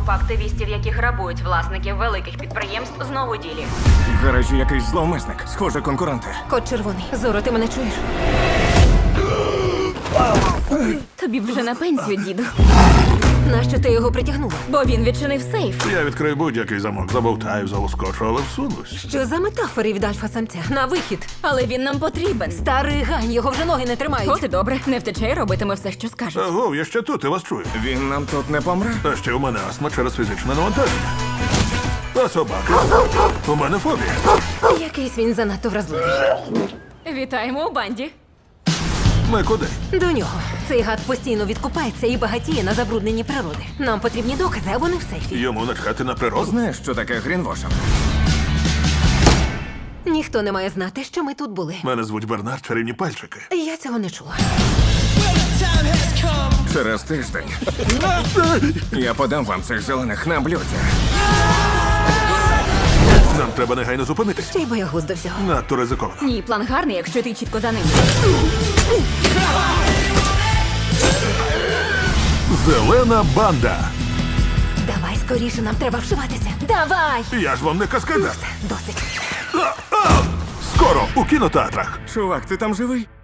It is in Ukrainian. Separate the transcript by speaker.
Speaker 1: Група активістів, які грабують власників великих підприємств, знову у ділі.
Speaker 2: В гаражі якийсь зловмисник. Схоже, конкуренти.
Speaker 3: Кот червоний. Зоро, ти мене чуєш?
Speaker 4: Тобі б вже на пенсію, діду.
Speaker 3: Нащо ти його притягнула?
Speaker 4: Бо він відчинив сейф.
Speaker 5: Я відкрию будь-який замок, забовтаю, залоскочу, але всунусь.
Speaker 3: Що за метафори від альфа-самця? На вихід.
Speaker 4: Але він нам потрібен.
Speaker 3: Старий гань, його вже ноги не тримають.
Speaker 4: От і добре, не втече і робитиме все, що скаже.
Speaker 5: Аго, я ще тут, я вас чую.
Speaker 2: Він нам тут не помре?
Speaker 5: А ще у мене астма через фізичне навантаження. А собаки? У мене фобія.
Speaker 3: Якийсь він занадто вразливий.
Speaker 4: Вітаємо у банді.
Speaker 5: Ми куди?
Speaker 3: До нього. Цей гад постійно відкупається і багатіє на забрудненні природи. Нам потрібні докази, а вони в сейфі.
Speaker 5: Йому начхати на природу?
Speaker 2: Знаєш, що таке грінвошинг?
Speaker 3: Ніхто не має знати, що ми тут були.
Speaker 5: Мене звуть Бернард, чарівні пальчики.
Speaker 3: Я цього не чула.
Speaker 2: Через тиждень я подам вам цих зелених на блюді.
Speaker 5: Нам треба негайно зупинитись.
Speaker 3: Ще й боягуз до всього.
Speaker 5: Надто ризиковано.
Speaker 4: Ні, план гарний, якщо ти чітко за ним.
Speaker 5: Зелена банда.
Speaker 3: Давай скоріше, нам треба вшиватися. Давай!
Speaker 5: Я ж вам не каскадер.
Speaker 3: Досить.
Speaker 5: Скоро у кінотеатрах.
Speaker 2: Чувак, ти там живий?